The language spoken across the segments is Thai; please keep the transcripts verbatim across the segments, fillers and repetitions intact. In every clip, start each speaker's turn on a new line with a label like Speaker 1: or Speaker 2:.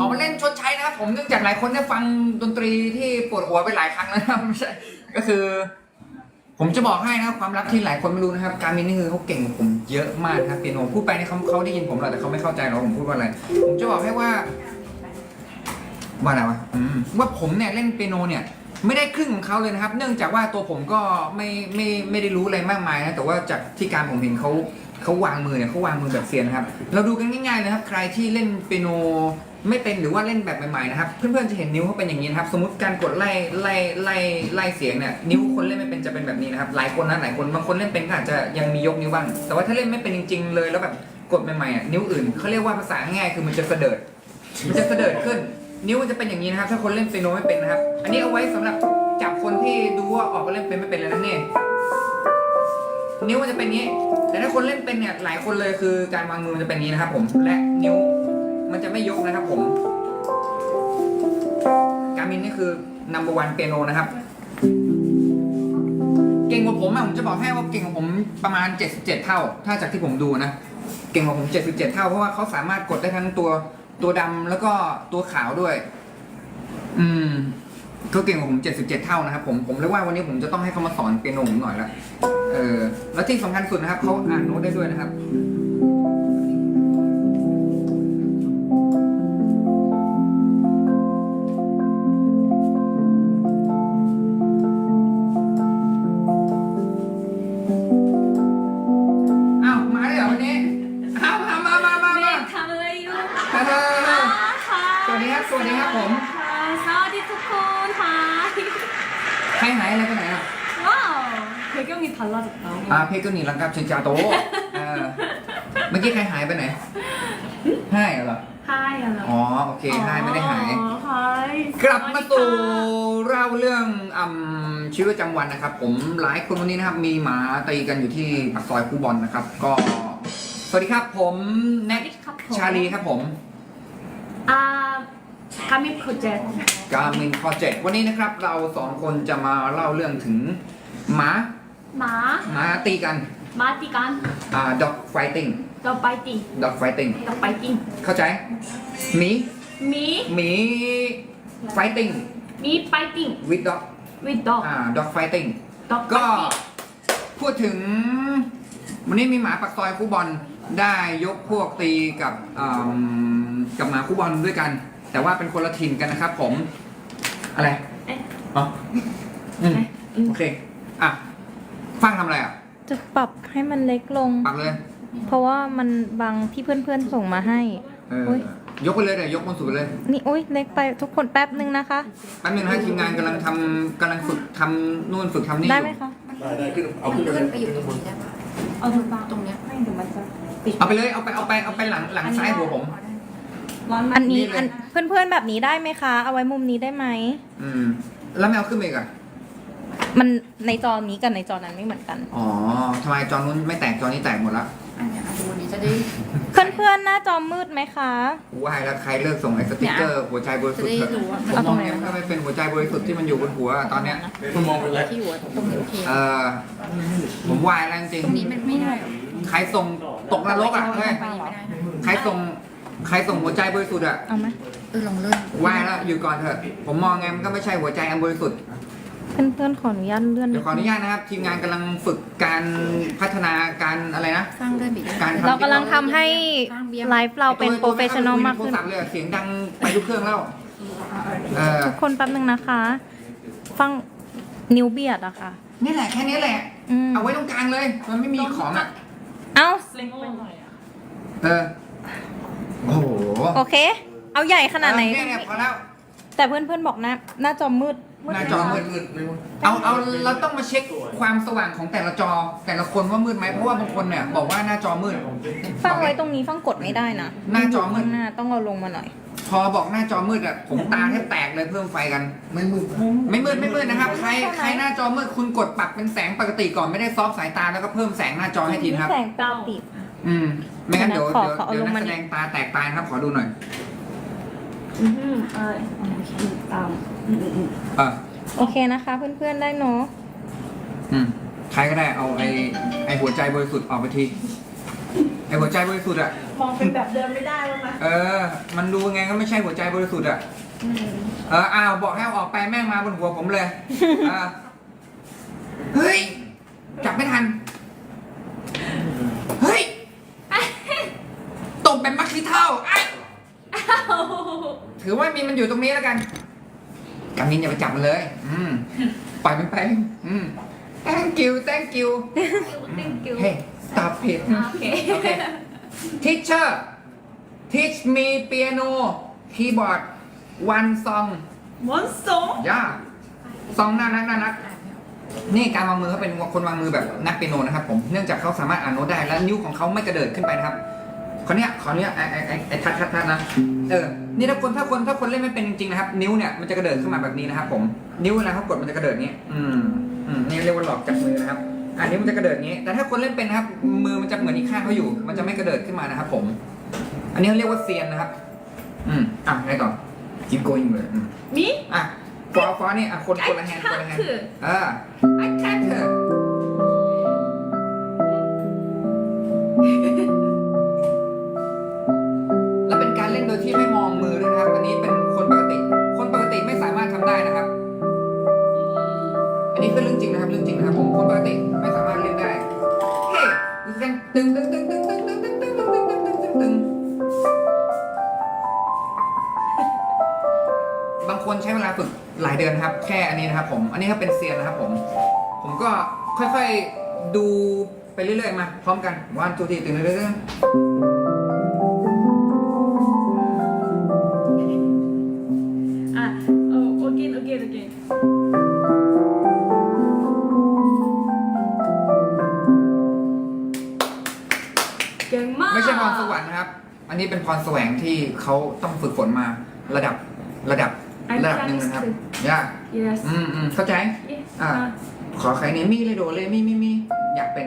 Speaker 1: อมาเล่นชดใช้นะครับผมเนื่องจากหลายคนได้ฟังดนตรีที่ปวดหัวไปหลายครั้งแล้วนะครับไม่ใช่ก็คือ ผมจะบอกให้นะครับความลับที่หลายคนไม่รู้นะครับการมินนี่คือเขาเก่งกว่าผมเยอะมากครับเปียโนพูดไปนี่เขาเขาได้ยินผมหรอกแต่เขาไม่เข้าใจหรอกผมพูดว่าอะไรผมจะบอกให้ว่าว่าอะไรวะอืมว่าผมเนี่ยเล่นเปียโนเนี่ยไม่ได้ครึ่งของเขาเลยนะครับ เนื่องจากว่าตัวผมก็ไม่ไม่ไม่ได้รู้อะไรมากมายนะแต่ว่าจากที่การผมเห็นเขาเขาวางมือเนี่ยเขาวางมือแบบเซียนนะครับเราดูกันง่ายๆนะครับใครที่เล่นเปียโนไม่เป็นหรือว่าเล่นแบบใหม่ๆนะครับเพื่อนๆจะเห็นนิ้วเขาเป็นอย่างนี้นะครับสมมติการกดไล่ไล่ไล่ไล่เสียงเนี่ยนิ้วคนเล่นไม่เป็นจะเป็นแบบนี้นะครับหลายคนนะหลายคนบางคนเล่นเป็นก็อาจจะยังมียกนิ้วบ้างแต่ว่าถ้าเล่นไม่เป็นจริงๆเลยแล้วแบบกดใหม่ๆอ่ะนิ้วอื่นเขาเรียกว่าภาษาง่ายๆคือมันจะเสดิร์ดมันจะเสดิร์ดขึ้นนิ้วมันจะเป็นอย่างนี้นะครับถ้าคนเล่นเปียโนไม่เป็นนะครับอันนี้เอาไว้สำหรับจับคนที่ดูว่าออกมาเล่นเป็นไม่เป็นแล้วนั่นนี่นิ้วมันจะเป็นนี้แต่ถ้าคนเล่นเป็นเนี่ยหลายคนเลยคือการวางมือมันจะเป็นนี้นะครับผมและนิ้วมันจะไม่ยกนะครับผมการมินนี่คือ number one เปียโนนะครับเก่งกว่าผมอะผมจะบอกให้ว่าเก่งกว่าผมประมาณเจ็ดสิบเจ็ดเท่าถ้าจากที่ผมดูนะเก่งกว่าผมเจ็ดสิบเจ็ดเท่าเพราะว่าเขาสามารถกดได้ทั้งตัวตัวดำแล้วก็ตัวขาวด้วยอืมเขาเก่งกว่าผมเจ็ดสิบเจ็ดเท่านะครับผมผมเลยว่าวันนี้ผมจะต้องให้เขามาสอนเปียโนผมหน่อยละเออแล้วที่สำคัญสุดนะครับเขาอ่านโน้ตได้ด้วยนะครับสวัสดีครับผม
Speaker 2: สวัสดีทุกคนค่ะ
Speaker 1: ใครหายอะไรไปไหนอ่ะ
Speaker 2: ว้าวเพลงนี้달라졌다
Speaker 1: อ่าเพลงก็นี่ลังกับชินจาโตเออเมื่อกี้ใครหายไปไหนให้เหรอ
Speaker 2: ให้เหรอ
Speaker 1: อ๋อโอเคให้ไม่ได้หาย
Speaker 2: ให้
Speaker 1: กลับมาสู่เล่าเรื่องอ่ำชีวิตประจำวันนะครับผมหลายคนวันนี้นะครับมีหมาตีกันอยู่ที่ปากซอยคูบอลนะครับก็สวัสดีครับผมแน็กชาลีครับผม
Speaker 2: อ่าการมินโปรเจกต์
Speaker 1: การมินโปรเจกต์วันนี้นะครับเราสองคนจะมาเล่าเรื่องถึงหมา
Speaker 2: หมา
Speaker 1: หมาตีกัน
Speaker 2: หมาตีกัน
Speaker 1: อ่า dog fighting
Speaker 2: dog fighting
Speaker 1: dog fighting
Speaker 2: dog fighting
Speaker 1: เข้าใจหมี
Speaker 2: หมี
Speaker 1: หมี fighting
Speaker 2: หมี fighting
Speaker 1: with dog
Speaker 2: with dog
Speaker 1: อ่า dog fighting
Speaker 2: dog
Speaker 1: ก็พูดถึงวันนี้มีหมาปากซอยคู่บอลได้ยกพวกตีกับกับหมาคู่บอลด้วยกันแต่ว่าเป็นคนละทีมกันนะครับผมอะไรอ๋ออืมโอเคอ่ะฟังทำอะไรอ่ะ
Speaker 3: จะปรับให้มันเล็กลง
Speaker 1: ปรับเลย
Speaker 3: เพราะว่ามันบางที่เพื่อนๆส่งมาให้
Speaker 1: เออยกไปเลยเดี๋ยวยกบนสุดไปเลย
Speaker 3: นี่โอ๊ยเล็กไปทุกคนแป๊บนึงนะคะ
Speaker 1: แป๊บนึงนะทีมงานกำลังทำกำลังฝึกทำนู่นฝึกทำนี่
Speaker 3: ได้ไหมคะ
Speaker 4: ได้ได้ขึ้นเอาขึ้นไปเลย
Speaker 2: ไปอยู่ตรงนี้ได้ปะเอาตรงนี้ไม่เดี๋ยวมันจะ
Speaker 1: ปิดเอาไปเลยเอาไปเอาไปเอาไปหลังหลังซ้ายหัวผม
Speaker 3: อันนี้อันเพื่อนๆแบบนี้ได้ไหมคะเอาไว้มุมนี้ได้ไหม
Speaker 1: อืมแล้วไม่เอาขึ้นไปอีกอ่ะ
Speaker 3: มันในจอนี้กับในจอนั้นไม่เหมือนกัน
Speaker 1: อ๋อทำไมจอนู้นไม่แตกจอนี้แตกหมดละ
Speaker 2: อันนี้ดูนี้จะได้
Speaker 3: เพื่อนๆหน้าจอมืดไหมคะ
Speaker 1: ว้ายแล้วใครเลิกส่งไอ้สติ๊กเกอร์หัวใจบริสุทธิ์เถอะผมมองเนี่ยมันไม่เป็นหัวใจบริสุทธิ์ที่มันอยู่บนหัวตอนเนี้ย
Speaker 4: คุณมองเป็นไร
Speaker 2: ที่หัวตรงนี้โอเค
Speaker 1: เออผมวายแล้วจริง
Speaker 2: ตรงนี้มันไม่ได้
Speaker 1: ใครส่งตกนรกอ่ะเฮ้ยใครส่งใครส่งหัวใจบริสุทธิ์อ่ะ
Speaker 3: เอาไหม
Speaker 2: เออลองเลื่อน
Speaker 1: วายแล้วอยู่ก่อนเถอะผมมองไงมันก็ไม่ใช่หัวใจอันบริสุทธิ์
Speaker 3: เพื่อนๆขออนุญาตเลื่อน
Speaker 1: เดี๋ยวขออนุญาตนะครับทีมงานกำลังฝึกการพัฒนาการอะไรนะ
Speaker 2: สร้างเลื่อนบี
Speaker 1: การ
Speaker 3: เรากำลังทำให้ไลฟ์เราเป็นโปรเฟชชั่นอลมากขึ้น
Speaker 1: เสียงดังไปทุกเครื่องแล้ว
Speaker 3: ทุกคนแป๊บนึงนะคะฟังนิ้วเบียดอะค่ะ
Speaker 1: นี่แหละแค่นี้แหละเอาไว้ตรงกลางเลยมันไม่มีของอ่ะ
Speaker 3: เอ้า
Speaker 1: เออโอ้โห
Speaker 3: โอเคเอาใหญ่ขนาดไหน
Speaker 1: เนี่ยพอแล้ว
Speaker 3: แต่เพื่อนๆบอกนะหน้าจอมืด
Speaker 1: หน้าจอมืดเอาเอาเราต้องมาเช็คความสว่างของแต่ละจอแต่ละคนว่ามืดไหมเพราะว่าบางคนเนี่ยบอกว่าหน้าจอมืด
Speaker 3: ฟังไว้ตรงนี้ฟังกดไม่ได้นะ
Speaker 1: หน้าจอมืด
Speaker 3: หน้าต้องเอาลงมาหน่อย
Speaker 1: พอบอกหน้าจอมืดอ่ะผมตาแทบแตกเลยเพิ่มไฟกันไม่มืดไม่มืดไม่มืดนะครับใครใครหน้าจอมืดคุณกดปรับเป็นแสงปกติก่อนไม่ได้ซอฟสายตาแล้วก็เพิ่มแสงหน้าจอให้ทีนะครับ
Speaker 3: แสงปกติ
Speaker 1: อืมไม่งั้นเดี๋ยวเดี๋ยวเดี๋ยวนักแสดงตาแตกตายนะครับขอดูหน่อย
Speaker 2: อืมเออโอเคตาม
Speaker 1: อ่ะ
Speaker 3: โอเคนะคะเพื่อนๆได้เนาะ
Speaker 1: อืมใครก็ได้เอาไอ้ไอ้หัวใจบริสุทธิ์ออกไปทีไอ้หัวใจบริสุทธิ์อ่ะ
Speaker 2: มองเป็นแบบเดิมไม่ได้แล้วนะ
Speaker 1: เออ มันดูไงก็ไม่ใช่หัวใจบริสุทธิ์อ่ะ
Speaker 2: อืม
Speaker 1: เออ อ้าว บอกให้เอาออกไปแม่งมาบนหัวผมเลยอ่าเฮ้ย จับไม่ทัน เฮ้ย ตบแบบมักซิเท่าไอ้ถือว่ามีมันอยู่ตรงนี้แล้วกันกามินอย่าไปจับมันเลย อืม ปล่อยมันไป อืม thank you thank you
Speaker 2: thank you
Speaker 1: เฮ้ stop it
Speaker 2: โอเค
Speaker 1: โอเค teacher teach me piano keyboard one song
Speaker 2: วันสอง
Speaker 1: ย่าซองน่ารักน่ารักนี่การวางมือเขาเป็นคนวางมือแบบนักเปียโนนะครับผมเนื่องจากเขาสามารถอ่านโน้ตได้และนิ้วของเขาไม่กระเดิดขึ้นไปนะครับขอเนี้ยขอเนี้ยไอ้ไอ้ไอ้ไอ้ทัดทัดทัดนะเออนี่ถ้าคนถ้าคนถ้าคนเล่นไม่เป็นจริงๆนะครับนิ้วเนี่ยมันจะกระเดิดขึ้นมาแบบนี้นะครับผมนิ้วเวลาเขากดมันจะกระเดิดนี้อืมอืมนี่เรียกว่าหลอกจับมือนะครับอันนี้มันจะกระเดิดนี้ แต่ถ้าคนเล่นเป็นนะครับมือมันจะเหมือนอีกข้างเขาอยู่ มันจะไม่กระเดิดขึ้นมานะครับผม อันนี้เขาเรียกว่าเซียนนะครับอืมอ่ะไงต่อ keep going เลยอืม
Speaker 2: มี
Speaker 1: อ่ะฟอฟอนี่อ่ะคนคนละแฮนด์คนละแฮนด์อ่า I can't และเป็นการเล่นโดยที่ไม่มองมือด้วยนะครับ อันนี้เป็นคนปกติ คนปกติไม่สามารถทำได้นะครับ อันนี้คือเรื่องจริงนะครับเรื่องจริงนะครับผมคนปกติไม่สามารถเล่นได้เฮ้ยตึงตึงตึงตึงตึงตึงตึงตึงตึงตึงตึงตึงตึงตึงบางคนใช้เวลาฝึกหลายเดือนครับ แค่อันนี้นะครับผม อันนี้ถ้าเป็นเซียนนะครับผม ผมก็ค่อยๆดูไปเรื่อยๆมาพร้อมกันวันทูทีตึงตึงตึง
Speaker 2: อ่ะโอโอเคโอเคโอเคเก่งมาก
Speaker 1: ไม่ใช่พรสวรรค์นะครับ อันนี้เป็นพรแสวงที่เขาต้องฝึกฝนมาระดับระดับระดับหนึ่งนะครับยาก
Speaker 2: yes
Speaker 1: อืมอืมเข้าใจ
Speaker 2: yes
Speaker 1: อ่า ขอใครเนี่ยมีเลยโดเลยมีมีมีอยากเป็น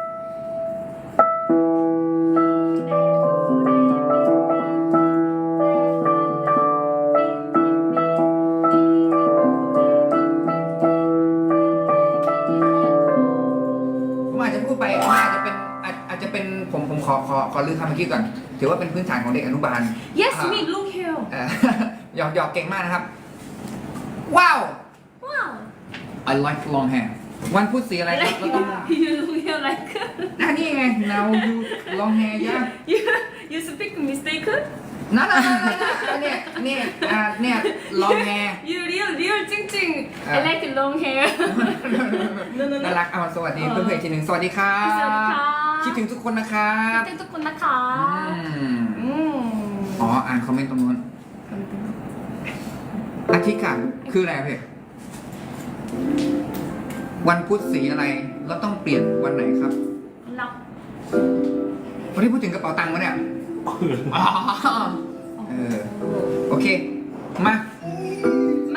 Speaker 1: ผมอาจจะพูดไปอาจจะเป็นอาจอาจจะเป็นผมผมขอขอขอลือคำเมื่อกี้ก่อนถือว่าเป็นพื้นฐานของเด็กอนุบาล
Speaker 2: yes
Speaker 1: อ่า
Speaker 2: me look here
Speaker 1: เอ่อ หยอกหยอกเก่งมากนะครับ ว้าว
Speaker 2: wow
Speaker 1: I like long hair วันพูดสีอะไรครับเราต้อง
Speaker 2: you look here like
Speaker 1: อ่ะนี่ไง now you long hair ยะ
Speaker 2: you you speak mistake
Speaker 1: นั่นนั่นนั่นนั่นเนี่ยเนี่ยอ่าเนี่ย long hair
Speaker 2: you real real จริงๆ I like long hair
Speaker 1: น่ารักเอาสวัสดีเพื่อนๆอีกทีหนึ่งสวัสดีครั
Speaker 2: สวัสดี
Speaker 1: บ
Speaker 2: ค่ะ
Speaker 1: คิดถึงทุกคนนะครับ
Speaker 2: คิดถึงทุกคนนะคะ
Speaker 1: อืม
Speaker 2: อืม
Speaker 1: อ๋ออ่านคอมเมนต์ตรงนู้นอาทิตย์ค่ะคืออะไรพี่วันพุธสีอะไรแล้วต้องเปลี่ยนวันไหนครับ
Speaker 2: รับ
Speaker 1: วันนี้พูดถึงกระเป๋าตังค์วะเนี่ยอ๋อเออโอเคมา
Speaker 2: มา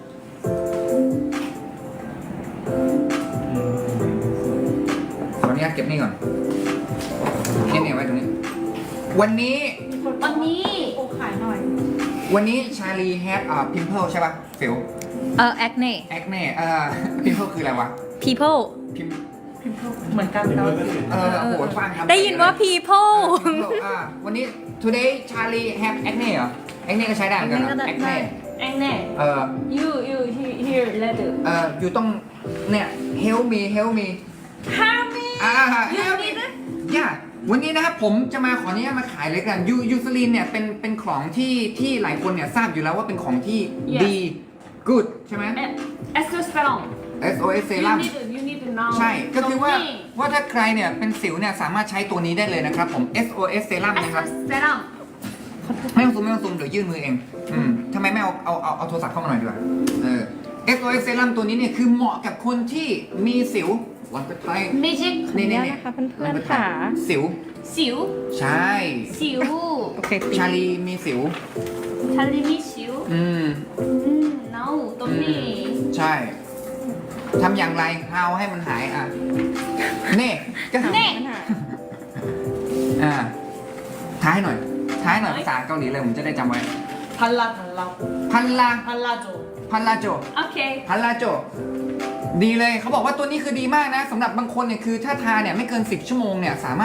Speaker 1: ขออนุญาตเก็บนี่ก่อนนี่เนี่ยไว้ตรงนี้ วันนี้
Speaker 2: วันนี้
Speaker 3: โอ้ขายหน่อย
Speaker 1: วันนี้ชาลีแฮดอ่าพิมเพิลใช่ป่ะฟิล
Speaker 3: เออ acne
Speaker 1: แอคเน่เอ่อพิมเพิลคืออะไรวะ
Speaker 3: people
Speaker 1: พิม
Speaker 2: เหมือนกันเรา
Speaker 1: เออโอ้โหฟังครับ
Speaker 3: ได้ยินว่า people
Speaker 1: อ่าวันนี้ today Charlie have acne เหรอ acne ก็ใช้ได้เหมือนกันเหรอ
Speaker 3: acne ก็ได้
Speaker 1: acne
Speaker 2: แองแน่
Speaker 1: เออ
Speaker 2: you you here here letter
Speaker 1: เอออยู่ต้องเนี่ย help me help me
Speaker 2: help me
Speaker 1: อ่า
Speaker 2: you
Speaker 1: help me
Speaker 2: need it
Speaker 1: ย่าวันนี้นะครับผมจะมาขออนุญาตมาขายเลยกันยูยูซลินเนี่ยเป็นเป็นของที่ที่หลายคนเนี่ยทราบอยู่แล้วว่าเป็นของที่
Speaker 2: Yes
Speaker 1: ดี good ใช่ไหม
Speaker 2: escospelon
Speaker 1: S O S
Speaker 2: you
Speaker 1: serum
Speaker 2: need it you need it now
Speaker 1: ใช่ก็คือว่า
Speaker 2: ตรงนี้
Speaker 1: ว่าถ้าใครเนี่ยเป็นสิวเนี่ยสามารถใช้ตัวนี้ได้เลยนะครับผม S O S serum นะครับ
Speaker 2: escospelon
Speaker 1: ไม่ต้องซูมไม่ต้องซูมเดี๋ยวยื่นมือเอง อืมทำไมไม่เอาเอาเอาเอาโทรศัพท์เข้ามาหน่อยดีกว่า เออ S O S serum ตัวนี้เนี่ยคือเหมาะกับคนที่มีสิววันก็ไทย
Speaker 2: magic
Speaker 1: นี่นี่
Speaker 3: ขออนุญาต
Speaker 1: นี่
Speaker 3: นะคะเพื่อนๆค่ะ
Speaker 1: สิว
Speaker 2: สิว
Speaker 1: ใช่
Speaker 2: สิว
Speaker 3: โอเคตี
Speaker 1: ชาลีมีสิว
Speaker 2: ทะเลมีสิว
Speaker 1: อืม
Speaker 2: อืม no ตรงนี้
Speaker 1: ใช่ ทำอย่างไรเอาให้มันหายอ่ะ เน่ก็
Speaker 2: เน่
Speaker 1: อ่า ท้ายหน่อย ท้ายหน่อยภาษาเกาหลีเลยผมจะได้จำไว้
Speaker 5: 발라 달라
Speaker 1: พันลา
Speaker 5: 발라줘
Speaker 1: พันลาโจ
Speaker 2: โอเค
Speaker 1: พันลาโจ ดีเลยเขาบอกว่าตัวนี้คือดีมากนะสำหรับบางคนเนี่ยคือถ้าทาเนี่ยไม่เกินสิบชั่วโมงเนี่ยสามารถ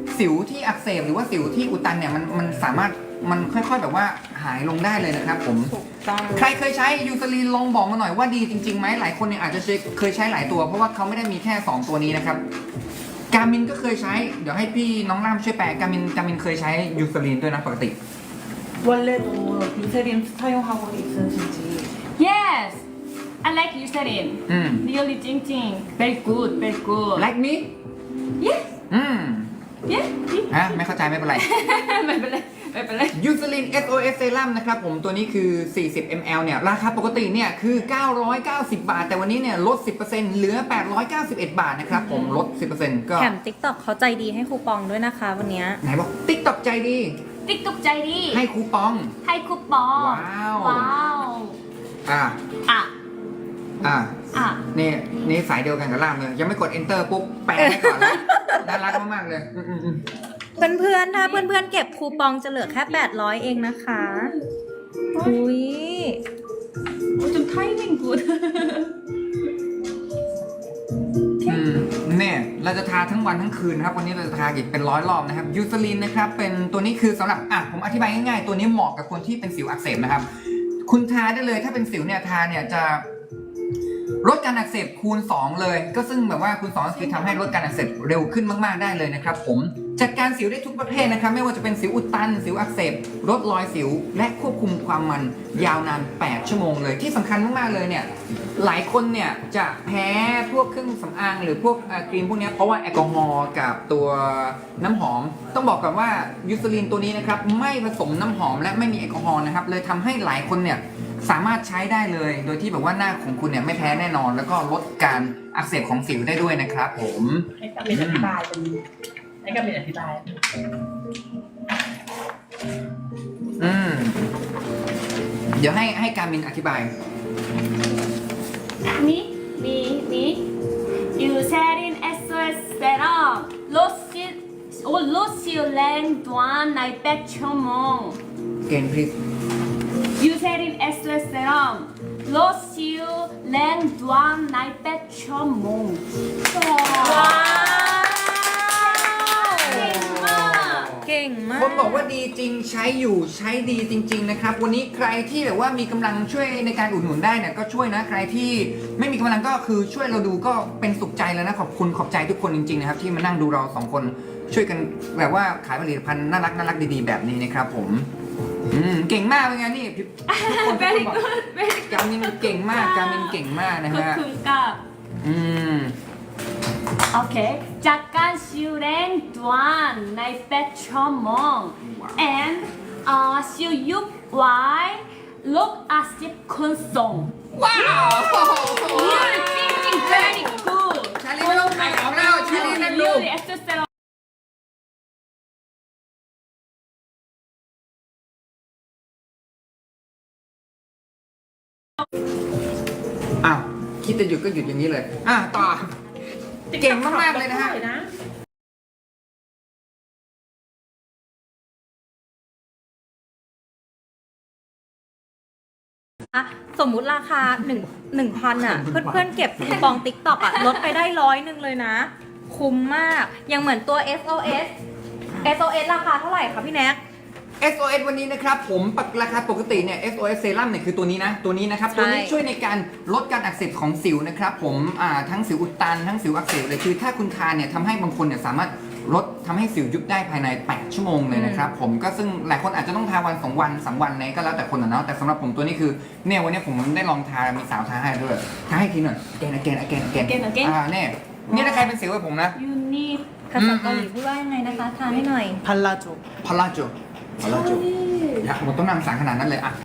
Speaker 1: สิวที่อักเสบหรือว่าสิวที่อุดตันเนี่ยมันมันสามารถมันค่อยๆแบบว่าหายลงได้เลยนะครับผม
Speaker 3: ถูกต้อง
Speaker 1: ใครเคยใช้ยูซาลีนลองบอกมาหน่อยว่าดีจริงๆไหมหลายคนเนี่ยอาจจะเคยใช้หลายตัวเพราะว่าเขาไม่ได้มีแค่สองตัวนี้นะครับการมินก็เคยใช้เดี๋ยวให้พี่น้องล่ามช่วยแปลการมินการมินเคยใช้ยูซาลีนด้วยนะปกติ
Speaker 5: 원래도 유세린 사용하고 있으신지
Speaker 2: Yes I like Eucerin
Speaker 1: อืม
Speaker 2: really 찡찡 very good very good
Speaker 1: like me
Speaker 2: Yes
Speaker 1: อืม
Speaker 2: Yes
Speaker 1: ฮะไม่เข้าใจไม่เป็นไร
Speaker 2: ไม่เป็นไรไม่เป็นไร
Speaker 1: ยูซาลิน เอส โอ เอส เซรั่มนะครับผมตัวนี้คือ สี่สิบมิลลิลิตร เนี่ยราคาปกติเนี่ยคือ เก้าร้อยเก้าสิบ บาท แต่วันนี้เนี่ยลด สิบเปอร์เซ็นต์ เหลือ แปดร้อยเก้าสิบเอ็ด บาทนะครับผมลด สิบเปอร์เซ็นต์ ก็
Speaker 3: แถม TikTok เขาใจดีให้คูปองด้วยนะคะวันเนี้ย
Speaker 1: ไหนบอกติ๊กตอกใจดี
Speaker 2: ติ๊กตุกใจดี
Speaker 1: ให้คูปอง
Speaker 2: ให้คูปอง
Speaker 1: ว้าว
Speaker 2: ว้าว
Speaker 1: อ่า
Speaker 2: อ่ะ
Speaker 1: อ่า
Speaker 2: อ่ะ
Speaker 1: นี่นี่สายเดียวกันกับล่ามเลย ยังไม่กด enter ปุ๊บแปลให้ก่อนแล้ว น่ารักมากๆเลยอืมอืมอืม
Speaker 3: เพื่อนๆ ถ้าเพื่อนๆ เก็บคูปองจะเหลือแค่ แปดร้อย เองนะคะ อุ้ย
Speaker 2: 좀 타이밍 굿
Speaker 1: อืมเนี่ยเราจะทาทั้งวันทั้งคืนนะครับวันนี้เราจะทาอีกเป็นร้อยรอบนะครับยูซาลินนะครับเป็นตัวนี้คือสำหรับอ่ะผมอธิบายง่ายๆตัวนี้เหมาะกับคนที่เป็นสิวอักเสบนะครับคุณทาได้เลยถ้าเป็นสิวเนี่ยทาเนี่ยจะลดการอักเสบคูณสองเลยก็ซึ่งแบบว่าคูณสองก็คือทำให้ลดการอักเสบเร็วขึ้นมากๆได้เลยนะครับผมจัดการสิวได้ทุกประเภทนะครับไม่ว่าจะเป็นสิวอุดตันสิวอักเสบลดรอยสิวและควบคุมความมันยาวนานแปดชั่วโมงเลยที่สำคัญมากๆเลยเนี่ยหลายคนเนี่ยจะแพ้พวกเครื่องสำอางหรือพวกเอ่อครีมพวกเนี้ยเพราะว่าแอลกอฮอล์กับตัวน้ำหอมต้องบอกก่อนว่ายูซาลินตัวนี้นะครับไม่ผสมน้ำหอมและไม่มีแอลกอฮอล์นะครับเลยทำให้หลายคนเนี่ยสามารถใช้ได้เลยโดยที่แบบว่าหน้าของคุณเนี่ยไม่แพ้แน่นอน แล้วก็ลดการอักเสบของสิวได้ด้วยนะครับผม
Speaker 5: ให้กับเป็นอธิบายเป็นให้กับเป็นอธิบาย
Speaker 1: อืมเดี๋ยวให้ให้การมินอธิบาย
Speaker 2: 미, 미, 미. 유세린 에스오에스 세럼 로시 오 로시올랭 두안 나이백 초몽
Speaker 1: เกณฑ์พริส
Speaker 2: 유세린 에스오에스 세럼 로시올랭 두안 나이백 초몽
Speaker 3: ว้าว
Speaker 2: 땡마
Speaker 3: เก่งมาก
Speaker 1: คนบอกว่าดีจริงใช้อยู่ใช้ดีจริง ๆนะครับ วันนี้ใครที่แบบว่ามีกำลังช่วยในการอุดหนุนได้เนี่ยก็ช่วยนะใครที่ไม่มีกำลังก็คือช่วยเราดูก็เป็นสุขใจแล้วนะขอบคุณขอบใจทุกคนจริงๆนะครับที่มานั่งดูเราสองคนช่วยกันแบบว่าขายผลิตภัณฑ์น่ารักน่ารักดีๆแบบนี้นะครับผมอืมเก่งมากเป็นไงนี่ทุกคนทุกคน
Speaker 2: very
Speaker 1: บอก
Speaker 2: good very
Speaker 1: กามินเก่งมากกามินเก่งมากนะฮะ
Speaker 2: good
Speaker 1: อืม
Speaker 2: Okay. 잠깐 시우랭 두안 나이백 초몽 and uh 시우 육 와이 look asip 콘송
Speaker 1: ว้าว
Speaker 2: Really 찡찡 very good
Speaker 1: ชาลีไม่ต้องขายของแล้วชาลีนั่งดู
Speaker 2: Really 에스테세럼
Speaker 1: อ้าวคิดจะหยุดก็หยุดอย่างนี้เลยอ่ะต่อเก่งมากๆเลยนะฮะ
Speaker 3: อะสมมุติราคาหนึ่งหนึ่งพันอ่ะ เพื่อนๆ เก็บคูปอง TikTok อ่ะ ลดไปได้ร้อยหนึ่งเลยนะ คุ้มมาก ยังเหมือนตัว เอส โอ เอส เอส โอ เอส ราคาเท่าไหร่คะพี่แน็ก
Speaker 1: เอส โอ เอส วันนี้นะครับผมปกราคาปกติเนี่ย เอส โอ เอส เซรั่มเนี่ยคือตัวนี้นะตัวนี้นะครับ
Speaker 3: ใช่
Speaker 1: ตัวนี้ช่วยในการลดการอักเสบของสิวนะครับผมอ่าทั้งสิวอุดตันทั้งสิวอักเสบเลยคือถ้าคุณทานเนี่ยทำให้บางคนเนี่ยสามารถลดทำให้สิวยุบได้ภายในแปดชั่วโมงเลยนะครับผมก็ซึ่งหลายคนอาจจะต้องทาวันสองวันสามวันเนี่ยก็แล้วแต่คนนะเนาะแต่สำหรับผมตัวนี้คือเนี่ยวันนี้ผมได้ลองทามีสาวทาให้ด้วยทาให้ทีหน่อยแกนแกนแกนแกน
Speaker 2: Again, again
Speaker 1: อ่าเนี่ยนี่ถ้าใครเป็นสิวแบบผมนะ
Speaker 2: You need
Speaker 3: ภาษาเกาหลีพูดว่ายังไงนะคะทานให้หน่อย
Speaker 5: 발라줘.
Speaker 1: พาราโจพาราโจอยากผมต้องนำสารขนาดนั้นเลยอ่ะ